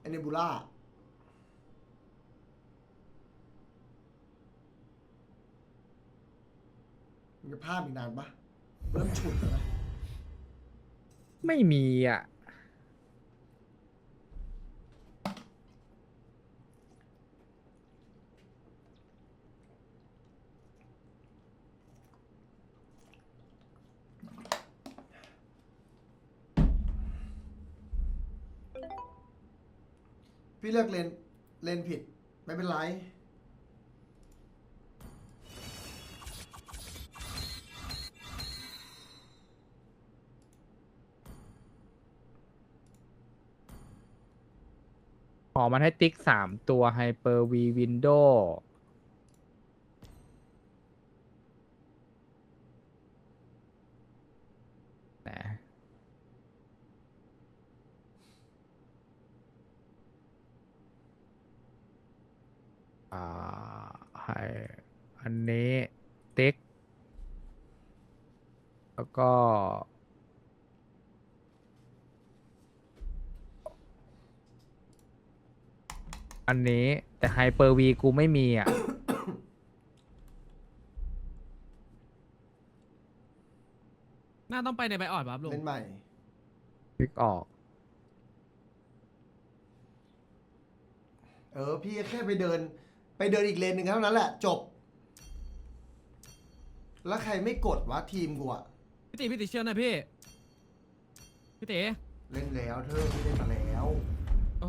เนบูล่ามันจะภาพอีกนานปะเริ่มฉุดแล้วนะไม่มีอ่ะพี่เลือกเลนผิดไม่เป็นไรขอมันให้ติ๊ก3 ตัวไฮเปอร์วีวินโดว์นะอ่าให้อันนี้ติ๊กแล้วก็อันนี้แต่ไฮเปอร์วีกูไม่มีอ่ะน่าต้องไปในใบอ่อนป่ะครับลุงเล่นใหม่ติ๊กออกพี่แค่ไปเดินอีกเลนหนึ่งเท่านั้นแหละจบ แล้วใครไม่กดวะทีมกูอะพี่ติเชื่อหน่อยพี่พี่ติเล่นแล้วเธอพี่เล่นมาแล้วโอ้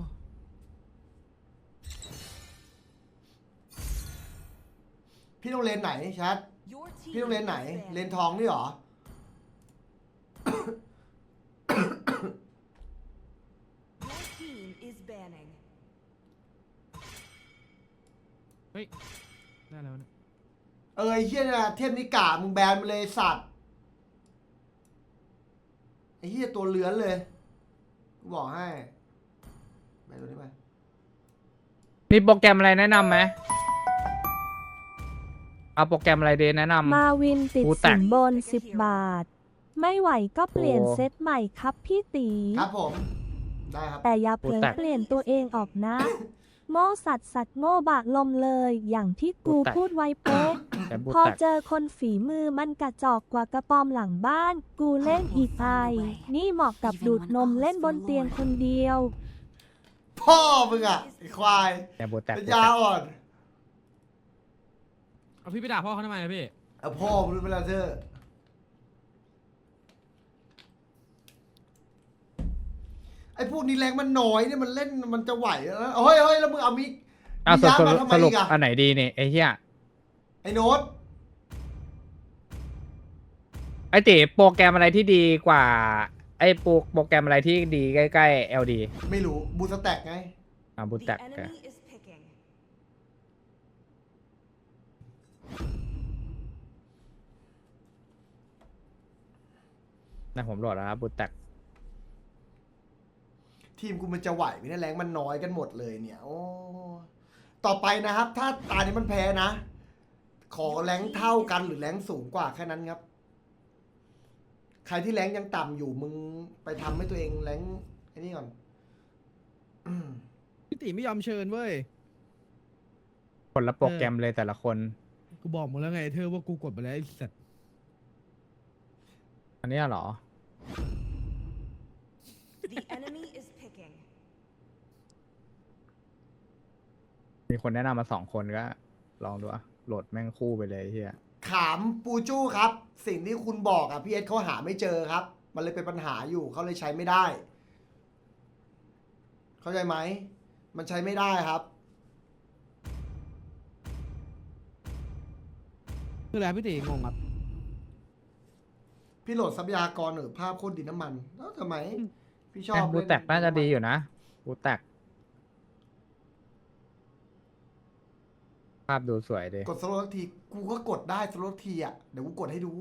พี่ต้องเลนไหนชัดพี่ต้องเลนไหนเลนทองนี่หรอเฮ้ยได้แล้วเนี่ยไอ้เฮียนะเทพนิกามึงแบนมาเลยสัตว์ไอ้เฮียตัวเลื้อนเลยกูบอกให้ไปตัวนี้ไปมีโปรแกรมอะไรแนะนำไหมเอาโปรแกรมอะไรดีแนะนำมาวินติดกูแตสิกนบน10 บาท ไม่ไหวก็เปลี่ยนโอ้เซตใหม่ครับพี่ตีครับผมได้ครับแต่อย่าเผลกูอแตกเปลี่ยนตัวเองออกนะ โง่สัตว์โง่บากลมเลย อย่างที่กูกูแตกพูดไว้เป๊ะแต่บูพอแตกเจอคนฝีมือมันกระจอกกว่ากระปอมหลังบ้าน กูเล่นอีกไอนี่เหมาะกับดูดนมเล่นบนเตียงคนเดียวพ่อมึงอะไอ้ควายแต่บูแตกเป็นบูยาแตกอ่อนเอาพี่ไปด่าพ่อเขาทำไมอะพี่เอาพ่อมึงรู้เวลาเธอไอ้พวกนี้แรงมันน้อยเนี่ยมันเล่นมันจะไหวแล้วนะเฮ้ยแล้วมึงเอามิกเอามีสยารุมาปทำไมสรุอีปกอะอันไหนดีเนี่ยไอ้เหี้ยไอ้โน้ตไอ้ติโปรแกรมอะไรที่ดีกว่าไอ้โปรแกรมอะไรที่ดีใกล้ๆ LD ไม่รู้บูสแต็กไงบูแตกนะผมโหลดแล้วครับบูแตกทีมกูมันจะไหวไหมเนี่ยแรงมันน้อยกันหมดเลยเนี่ยโอ้ต่อไปนะครับ ถ้าตานี้มันแพ้นะ ขอแรงเท่ากันหรือแรงสูงกว่าแค่นั้นครับ ใครที่แรงยังต่ำอยู่มึงไปทำให้ตัวเองแรงไอ้นี่ก่อนพี่ติไม่ยอมเชิญเว้ยคนละโปรแกรมเลยแต่ละคนกูบอกมึงแล้วไงเธอว่ากูกดไปแล้วไอ้สัตว์อันเนี้ยเหรอ มีคนแนะนำมา2 คนก็ ลองดูอะโหลดแม่งคู่ไปเลยไอ้เฮียขามปูจู้ครับ สิ่งที่คุณบอกอ่ะพี่เอสเขาหาไม่เจอครับ มันเลยเป็นปัญหาอยู่เขาเลยใช้ไม่ได้ เข้าใจไหมมันใช้ไม่ได้ครับคืออะไรพี่ติงงครับพี่โหลดทรัพยากรหรือภาพโคตรดินน้ำมันแล้วทำไม พี่ชอบบูเล่นแตกน่าจะดีอยู่นะบูแตกภาพดูสวยดีกดสโลว์สักทีกูก็กดได้สโลว์ทีอ่ะเดี๋ยวกูกดให้ดู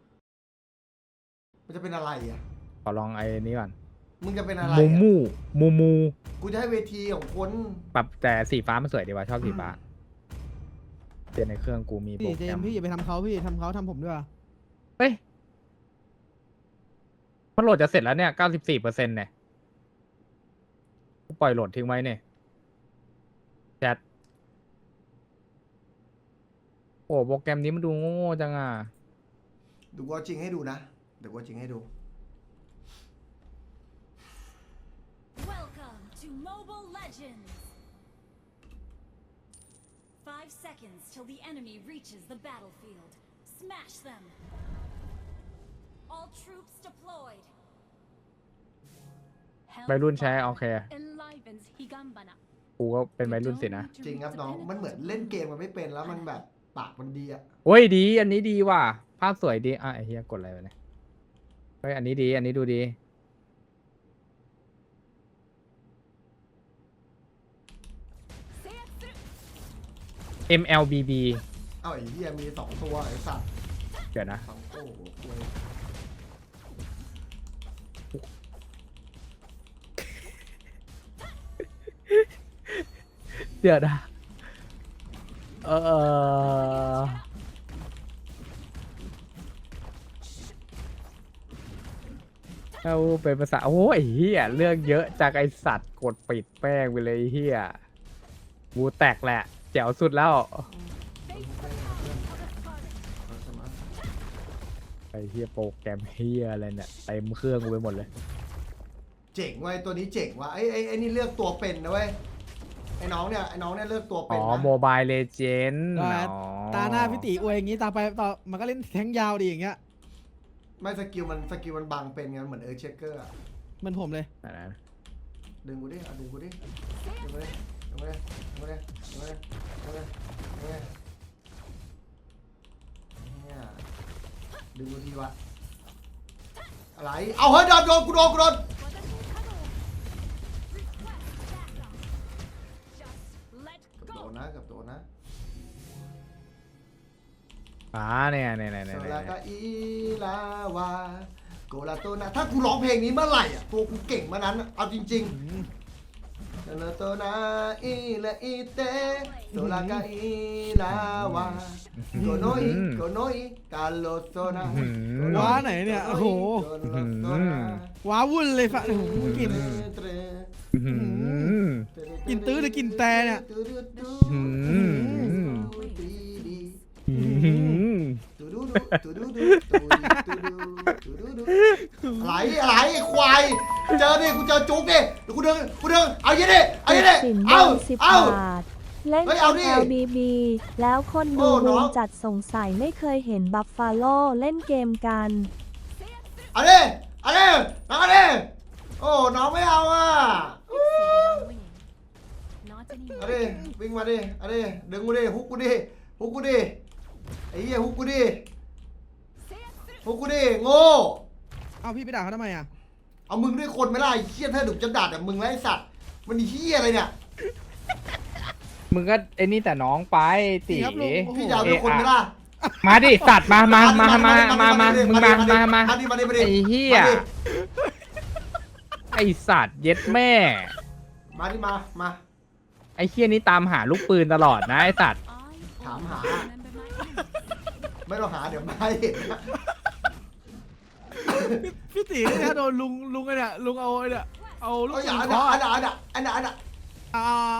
มันจะเป็นอะไรอ่ะขอลองไอ้นี้ก่อนมึงจะเป็นอะไรมูอะมูกูจะให้เวทีของคนปรับแต่สีฟ้ามันสวยดีว่ะชอบสีฟ้าเปลี่ยนในเครื่องกูมีโปรพี่เจแกรมมส์พี่อย่าไปทำเขาพี่ทำเขาทำผมด้วยว่ะเฮ้ยมันโหลดจะเสร็จแล้วเนี่ย 94%เนี่ยกูปล่อยโหลดทิ้งไว้เนี่ยแชทโอ้โปรแกรมนี้มันดูโง่จังอ่ะดูกูเอาจริงให้ดูนะ เดี๋ยวกูเอาจริงให้ดู Welcome to Mobile Legends! 5 seconds till the enemy reaches the battlefield. Smash them! All troops deployed. วัยรุ่นใช้โอเค Enlivens Higambana. กูก็เป็นวัยรุ่นสินะจริงครับน้อง มันเหมือนเล่นเกมมันไม่เป็นแล้วมันแบบปากมันดีอะโอ้ยดี อันนี้ดีว่ะ ภาพสวยดี อ่ะไอ้เฮียกดอะไรวะเนี่ย เฮ้ย อันนี้ดี อันนี้ดูดี MLBB เอ้าไอ้เหี้ยมี2ตัวไอ้สัตว์เดี๋ยวนะโอ้โหคุยเดี๋ยวนะ เอาเป็นภาษา โอ้ยเฮียเรื่องเยอะจากไอสัตว์กดปิดแป้งไปเลยเฮียกูแตกแหละ แจ๋วสุดแล้ว ไอเฮียโปรแกรมเฮียอะไรเนี่ยเต็มเครื่องกูไปหมดเลยเจ๋งเว้ยตัวนี้เจ๋งว่ะไอ้นี่เลือกตัวเป็นนะเว้ยไอ้น้องเนี่ยเลือกตัวเป็อ๋นอนะโมบายเลเจนด์ตาหน้าพี่ตีอวยอย่างงี้ตาไปต่อมันก็เล่นแทงยาวดีอย่างเงี้ยไม่สกิลมันบังเป็นไงเหมือนเช็คเกอร์อะเหมันผมเลยดึงกูดิดึงกูดิดึงกูดิดึงกูดิดึงกูดิดึงกูดิดึงกูดิดึงกูดิเนี่ยดึงกูทีวะอะไรเอาเฮ้ยโดนกูโดน Let กับโด go! นนะกับโดนนะเนี่ยโซลากาอีลาวาโกลาโตนะถ้ากูร้องเพลงนี้เมื่อไหร่อ่ะตัวกูเก่งมานั้นอะเอาจริงๆโซลาโตนะอีละอีเตโซลากาอีลาวาโกโนอิกาโลโซนะว้าไหนเนี่ยโอ้โห ว้าวุ่นเลยฟะโอ้โหกลิ่น กินตื้อหรือกินแต่เนี่ยอะไรควายเจอดิกูเจอจุกดิเดี๋ยวกูเดินเอาเยอะดิเอาเยอะดิสินบเอาน10 เอาบาท เล่นเฮ้ยเอาดิ LBB แล้วคนโอ้ดูน้บูองมจัดสงสัยไม่เคยเห็นบัฟฟาโลเล่นเกมกันเอาดิน้องเอาดิโอ้น้องไม่เอาอ่ะ Not เอาดิ anymore. วิ่งมาดิเอาดิดึงกูดิฮุกกูดิไอ้เหี้ยฮุกกูดิโง่เอาพี่ไปด่าเขาทำไมอ่ะเอามึงด้วยคนไม่ได้เหี้ยถ้าดุจะด่าแต่มึงแล้วไอ้สัตว์มันเหี้ยอะไรเนี่ยมึงก็ไอ้นี่แต่น้องไปตีครับลุงโอ้โหพี่จะเอาด้วยคนไม่ได้มาดิสัตว์มามึงมาไอ้เหี้ยไอสัตว์เย็ดแม่มาดิมาไอเหี้ยนี่ตามหาลูกปืนตลอดนะไอสัตว์ I Thảm always hả? remember my enemies. ไม่ต้องหาเดี๋ยวไม่เห็นนะพี่ตีเนี่ยโดนลุงไอ้เนี่ยลุงเอาไอ้เนี่ยเอาลูกเอาอปืย่าน อันเคาะน่ะเอา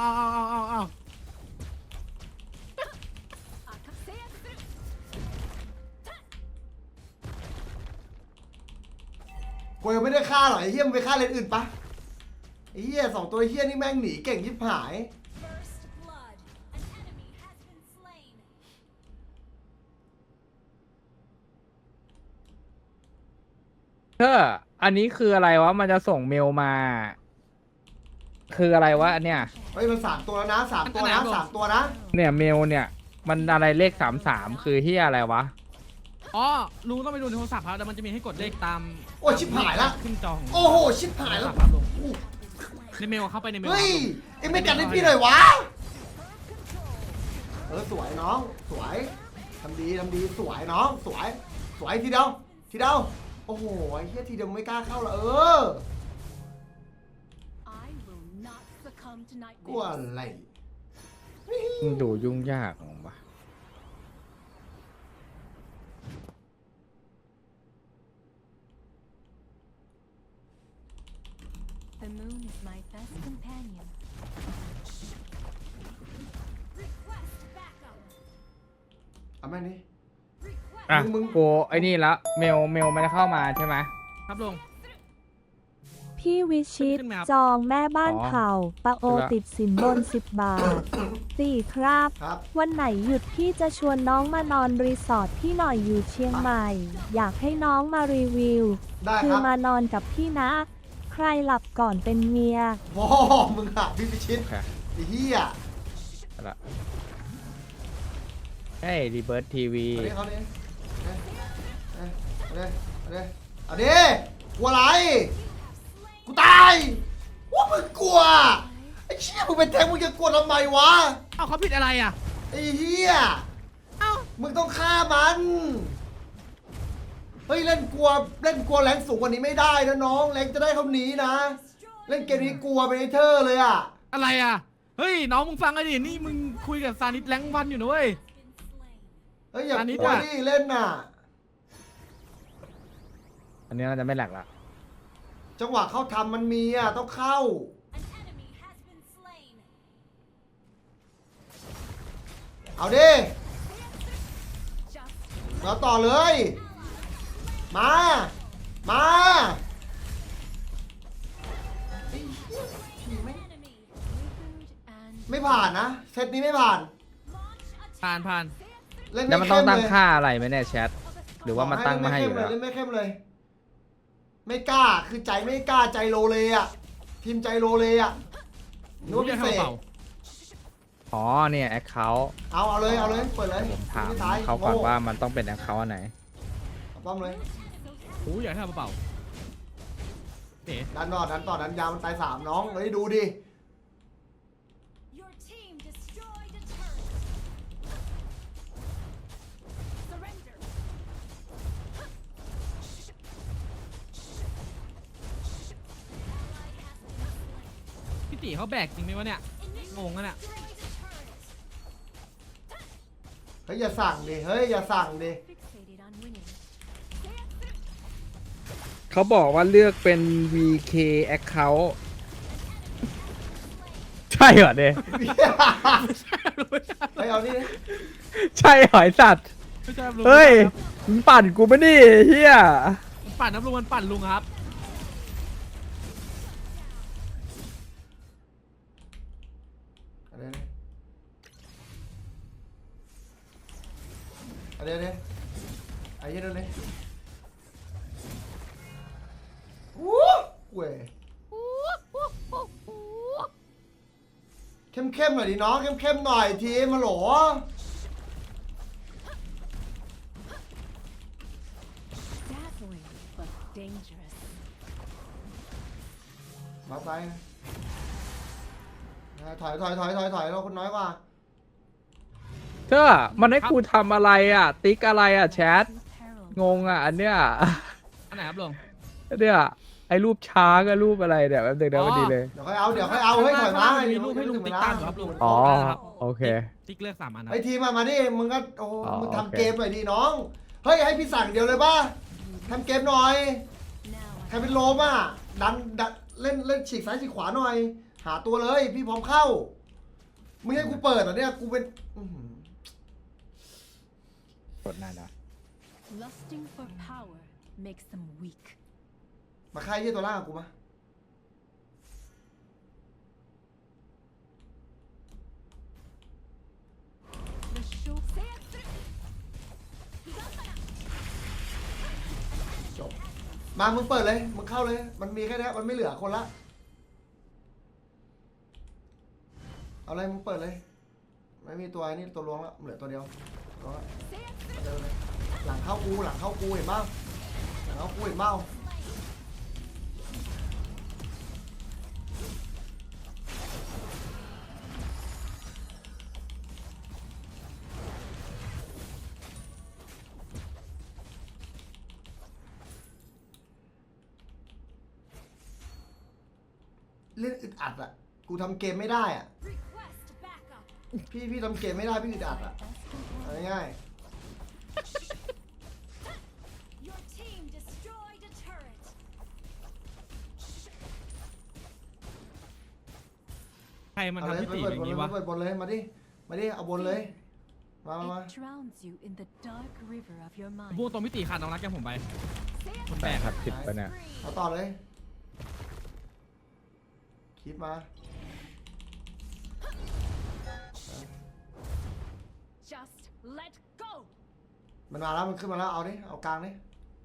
กูยังไม่ได้ฆ่าหรอกไอ้เหี้ยมึงไปฆ่าเลนอื่นปะไอ้เหี้ย2ตัวเหี้ยนี่แม่งหนีเก่งยิบหาย First blood. An enemy has been slain. อันนี้คืออะไรวะมันจะส่งเมลมา คืออะไรวะอันเนี้ยเฮ้ยมัน3ตัวแล้วนะ3ตัวนะ3ตัวนะเนี่ยเมลเนี่ย มันอะไรเลข33คือเหี้ยอะไรวะอ๋อลุงต้องไปดูในโทรศัพท์ครับแต่มันจะมีให้กดเลขตามโอ้ยชิบหายละขึ้นจอของโอ้โหชิบหายแล้วครับลุงในเมลเข้าไปในเมลเฮ้ยครับลุงเอ็งไม่กัดให้พี่หน่อยวะสวยน้องสวยทำดีสวยน้องสวยทีเดียวโอ้โหไอ้เหี้ยทีเดียวไม่กล้าเข้าละ I will not succumb to กลัว nightmares. อะไรมึงดูยุ่งยากของวะ The The moon is my best companion. Request backup. เอาแม่งนี้ Request อ่ะมึงกูไอ้นี่แล้วเมลมันจะเข้ามาใช่ไหมครับลุงพี่วิชิตขึ้นไหมครับจองแม่บ้านอ๋อเข่าปะโอขึ้นละติดสินบน 10 บาทสี่ครับครับวันไหนหยุดพี่จะชวนน้องมานอนรีสอร์ทพี่หน่อยอยู่เชียงใหม่ อยากให้น้องมารีวิวได้คืคอรับมานอนกับพี่นะ ใครหลับก่อนเป็นเมียพ่อมึงอะพี่พิชิตโอเคไอ้เหี้ยเอาละเฮ้ยรีเบิร์ ทีวีเอาดิเอาดิกลัวอะไร กูตายว่ามึงกลัว ไอ้เชี่ยมึงเป็นแทงมึงจะกลัวทำไมวะเอ้าเขาผิดอะไรอ่ะไอ้เหี้ยเอ้ามึงต้องฆ่ามัน เฮ้ยเล่นกลัวแรงสูงกว่านี้ไม่ได้นะน้องแรงจะได้เขาหนีนะ เล่นเกมนี้กลัวเป็นไอเธอร์เลยอ่ะอะไรอ่ะ เฮ้ยน้องมึงฟังไอ้ดินี่มึงคุยกับซานิสแรงวันอยู่นะเว้ยเฮ้ยอย่าอันนี้กลัวอะดิเล่นน่ะอันนี้น่าจะไม่แหลกละจังหวะเข้าทำมันมีอ่ะต้องเข้า An enemy has been slain. เอาดิ Just เราต่อเลย มา มา enemy withered and ไม่ผ่านนะเซตนี้ไม่ผ่าน launch ผ่านเล่นแล้วไม่มันต้อเข้งมตั้งเลยค่าอะไรไหมเนี่ยแชท หรือว่ามันตั้งมาให้อยู่แล้วเล่นไม่เข้มเลย ไม่กล้า คือใจไม่กล้าใจโลเลอ่ะ ทีมใจโลเลอ่ะนึกว่าเรีพิยกเศษให้เปล่าอ๋อเนี่ยแอคเคาท์เอาเลย เปิดเลยผมถามไม่ตายเขาก่อนโง่ว่ามันต้องเป็นแอคเคาท์อันไหนเอาป้อมเลยโอ้ยอยากให้ทำเปล่าเอ๋ดันต่อดันยาวมันตายสามน้องเลยดูดิ Your team destroyed a turret. Surrender. Ally has been slain. พี่ตีเขาแบกจริงไหมวะเนี่ย งงอะเนี่ย Destroyed a turret. เฮ้ยอย่าสั่งดิ เฮ้ยอย่าสั่งดิ Fixated on winning. เขาบอกว่าเลือกเป็น VK account ใช่เหรอเนี่ยเฮ้ยเอานี่ดิใช่เหรอไอสัตว์ไม่ใช่ลุงเฮ้ยมึงปั่นกูปะนี่เฮียมันปั่นนะลุงมันปั่นลุงครับเอาดิไอ้เหี้ยนั่นเลยวู้เว้ยเข้มหน่อยดิน้องเข้มหน่อยทีมาโหล Dazzling but dangerous. มาไปถอยเราคนน้อยกว่าเธอมันให้กูทำอะไรอ่ะ ติ๊กอะไรอ่ะแชท Peril. งงอ่ะ อันเนี้ยอันไหนครับลุงเนี่ยไอ้รูปช้างกับรูปอะไรเนี่ยแป๊บนึงนะอ๋อพอดีเลยเดี๋ยวค่อยเอาเฮ้ยถอยมามีรูปให้ลุงติ๊กตามอยู่ครับลุงอ๋อได้ครับโอเคติ๊กเลือก3 อันนะไอ้ทีมาดิมึงก็โอ้อ๋อมึงโอเคทำเกมหน่อยดิน้องเฮ้ยให้พี่สั่งเดียวเลยป่ะทำเกมหน่อย Now ใครเป็นโลมอ่ะดันเล่นฉีกซ้ายฉีกขวาหน่อย หาตัวเลยพี่พร้อมเข้ามึงให้กูเปิดเหรอเนี่ยกูเป็นอื้อหือกดหน้านะ lusting for power makes them weak. มาค่ายยี่ตัวล่างกับกูมา The show จบมามึงเปิดเลยมึงเข้าเลยมันมีแค่นี้มันไม่เหลือคนละเอาเลยมึงเปิดเลยไม่มีตัวไอ้นี่ตัวล้วงแล้วเหลือตัวเดียวล้วงละเอาเดินเลยหลังเข้ากูเห็นเปล่าหลังเข้ากูเห็นเปล่าเล่นอึดอัดอ่ะกูทำเกมไม่ได้อ่ะ request backup. พี่ทำเกมไม่ได้พี่อึดอัดอ่ะ Best เอา companion. ง่าย Your team destroyed a turret. ใครมันเอาเลยทำพี่ไปตีเปิดอบ ย่าน งเลยนี้วะไปเปิดบนเลยมาดิมาดิเอาบนเลยมา It drowns you in the dark river of your mind. พวกตัวพี่ตีขาดน้องรักแกผมไปมันแปลแต่กครับผิดปะเนี่ยเอาต่อเลยคิดมา Just let go. มันมาแล้วมันขึ้นมาแล้วเอาดิเอากลางดิ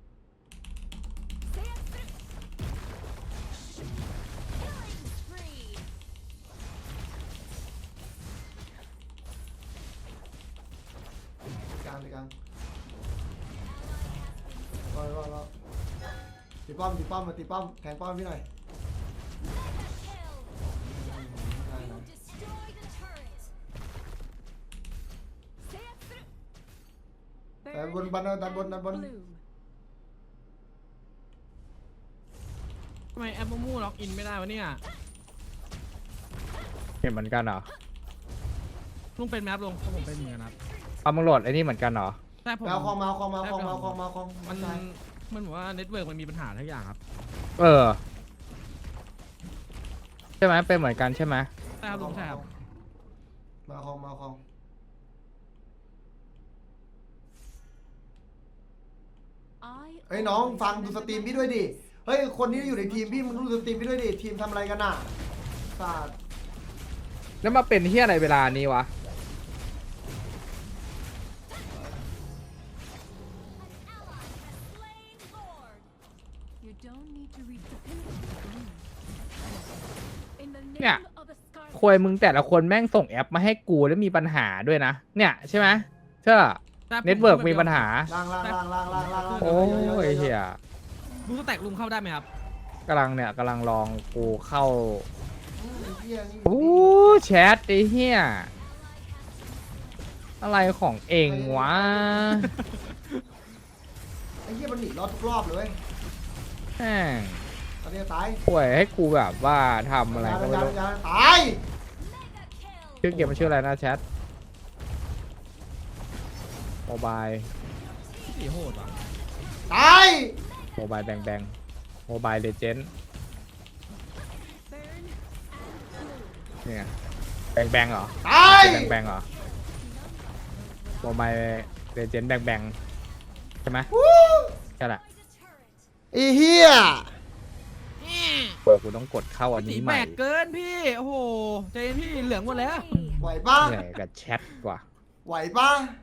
Killing spree. กลางดิกลางรอตีป้อมตีป้อมมาตีป้อมแทงป้อมพี่หน่อย Mega kill. You destroy the turret. แต่บนบันดันบนดันบน Bloom. ทำไมแอปมูล็อกอินไม่ได้วะเนี่ยเห็นเหมือนกันเหรอลุงเป็นแมปลงผมเป็นเหมือนกันครับเอามึงโหลดไอ้นี่เหมือนกันเหรอใช่ผมไปเอาคองมาเอาคองมาเอาคองมาเอาคองมาเอาคองมันใช่มันบอกว่าเน็ตเวิร์กมันมีปัญหาทุกอย่างครับเออ ใช่ไหมเป็นเหมือนกันใช่ไหมใช่ครับลุงใช่ครับมาเอาคองมาเอาคอง เฮ้ยน้องฟังดูสตรีมพี่ด้วยดิ เฮ้ยคนที่อยู่ในทีมพี่มึงดูสตรีมพี่ด้วยดิ ทีมทำอะไรกันน่ะศาสตร์แล้วมาเป็นเฮียอะไรเวลานี้วะ You don't need to reach the pinnacle to bloom. In the Yeah. name of the Scarlet ควยมึงแต่ละคนแม่งส่งแอปมาให้กูแล้วมีปัญหาด้วยนะ เนี่ยใช่ไหมเชื่อแต่ผมเน็ตเวิร์กมีปัญหาล่างโอ้ยเฮียลุงสแต็กลุงเข้าได้ไหมครับกำลังลองกูเข้าเหี้ยนี่โอ้แชทไอ้เฮียอะไรของเองวะไอ้เหี้ยมันหนีรอดทุกรอบเลยเว้ยแม่งตอนนี้ตายป่วยให้กูแบบว่าทำอะไรก็ไม่รู้ยาตายชื่อเกมมันชื่ออะไรนะแชทโมบายพี่ตีโหดว่ะตายโมบายแบงโมบายเลเจนด์ burn เนี่ยแบงเหรอตายแบงเหรอโมบายเลเจนด์แบงใช่ไหมวู้ใช่แหละไอ้เหี้ยเปิดกูต้องกดเข้าอันพี่ตีนี้ใหแบม่กเกินพี่โอ้โหใจเย็นพี่เหลืองหมดแล้วไหวปะเหนื่อยกับแชทกว่าไหวปะ